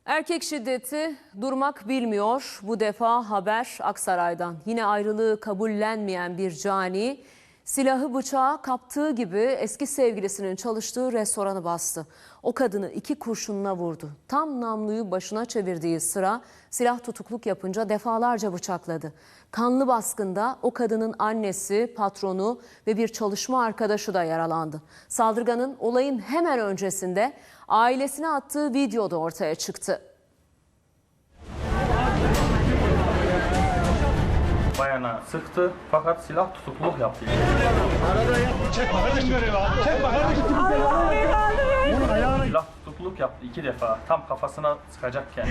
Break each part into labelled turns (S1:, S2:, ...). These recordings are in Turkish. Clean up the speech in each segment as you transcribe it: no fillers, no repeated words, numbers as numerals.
S1: Erkek şiddeti durmak bilmiyor. Bu defa haber Aksaray'dan. Yine ayrılığı kabullenmeyen bir cani silahı bıçağı kaptığı gibi eski sevgilisinin çalıştığı restoranı bastı. O kadını 2 kurşunla vurdu. Tam namluyu başına çevirdiği sıra silah tutukluk yapınca defalarca bıçakladı. Kanlı baskında o kadının annesi, patronu ve bir çalışma arkadaşı da yaralandı. Saldırganın olayın hemen öncesinde ailesine attığı video da ortaya çıktı.
S2: Bayana sıktı fakat silah tutukluk yaptı. Silah tutukluk yaptı 2 defa tam kafasına sıkacakken.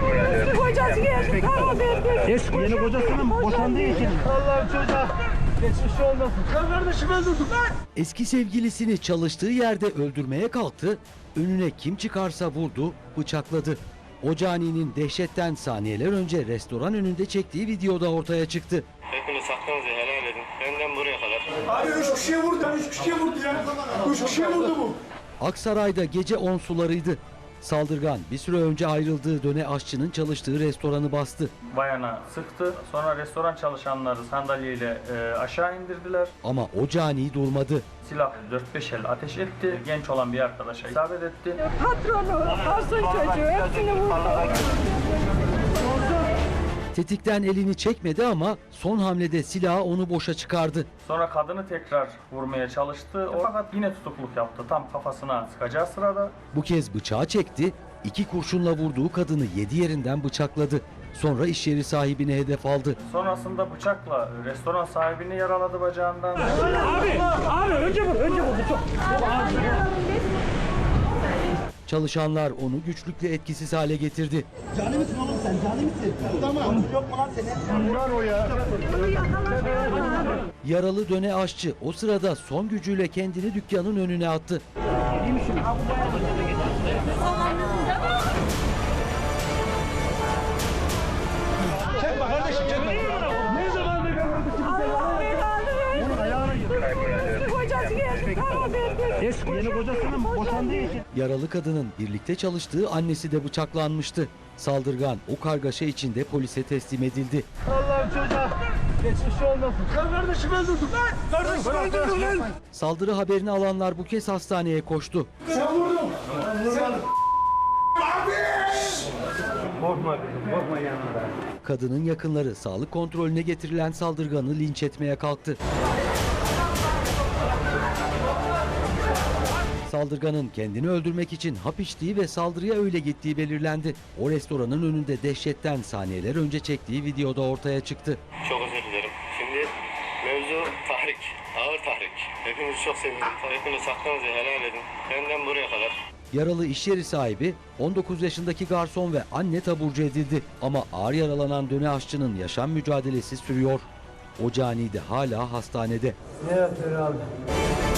S3: Yeni kocasının boşandığı için. Allah'ım çocuğa geçmiş olmasın. Kardeşim öldürdüm.
S4: Eski sevgilisini çalıştığı yerde öldürmeye kalktı, önüne kim çıkarsa vurdu, bıçakladı. O caninin dehşetten saniyeler önce restoran önünde çektiği videoda ortaya çıktı.
S5: Hepiniz hakkınızı helal edin. Benden buraya kadar.
S6: Abi 3 kişiye vurdu, 3 kişiye vurdu ya. 3 kişiye vurdu bu.
S4: Aksaray'da gece 10 sularıydı. Saldırgan bir süre önce ayrıldığı döne aşçının çalıştığı restoranı bastı.
S2: Bayana sıktı sonra restoran çalışanları sandalyeyle aşağı indirdiler.
S4: Ama o cani durmadı.
S2: Silah 4-5 el ateş etti. Genç olan bir arkadaşa isabet etti.
S7: Patronu, asıl çocuğu hepsini vurdu.
S4: Tetikten elini çekmedi ama son hamlede silahı onu boşa çıkardı.
S2: Sonra kadını tekrar vurmaya çalıştı fakat yine tutukluk yaptı tam kafasına sıkacağı sırada.
S4: Bu kez bıçağı çekti, 2 kurşunla vurduğu kadını 7 yerinden bıçakladı. Sonra iş yeri sahibini hedef aldı.
S2: Sonrasında bıçakla restoran sahibini yaraladı bacağından.
S3: Abi önce vur bu çok.
S4: Çalışanlar onu güçlükle etkisiz hale getirdi.
S6: Cani misin oğlum sen? Cani misin? Tamam. Yok mu lan senin? Vurar o ya.
S4: Yaralı döne aşçı o sırada son gücüyle kendini dükkanın önüne attı.
S6: Çekme kardeşim çekme.
S3: Ne zaman da görmedik kimse. Bunun ayağına gir.
S7: Kocası geldi.
S3: Eski yeni kocasının boşandığı için.
S4: Yaralı kadının birlikte çalıştığı annesi de bıçaklanmıştı. Saldırgan o kargaşa içinde polise teslim edildi.
S3: Allah'ım çocuğa geçmiş olmasın. Kardeşim öldürdüm. Kardeşim öldürdüm lan.
S4: Saldırı haberini alanlar bu kez hastaneye koştu.
S6: Sen vurdun.
S3: Korkma yanında.
S4: Kadının yakınları sağlık kontrolüne getirilen saldırganı linç etmeye kalktı. Saldırganın kendini öldürmek için hap içtiği ve saldırıya öyle gittiği belirlendi. O restoranın önünde dehşetten saniyeler önce çektiği videoda ortaya çıktı.
S5: Çok özür dilerim. Şimdi mevzu tahrik. Ağır tahrik. Hepinizi çok seviyorum. Hepiniz hakkınızı helal edin. Benden buraya kadar.
S4: Yaralı iş yeri sahibi 19 yaşındaki garson ve anne taburcu edildi. Ama ağır yaralanan döne aşçının yaşam mücadelesi sürüyor. O cani de hala hastanede.
S3: Ne yapıyor abi?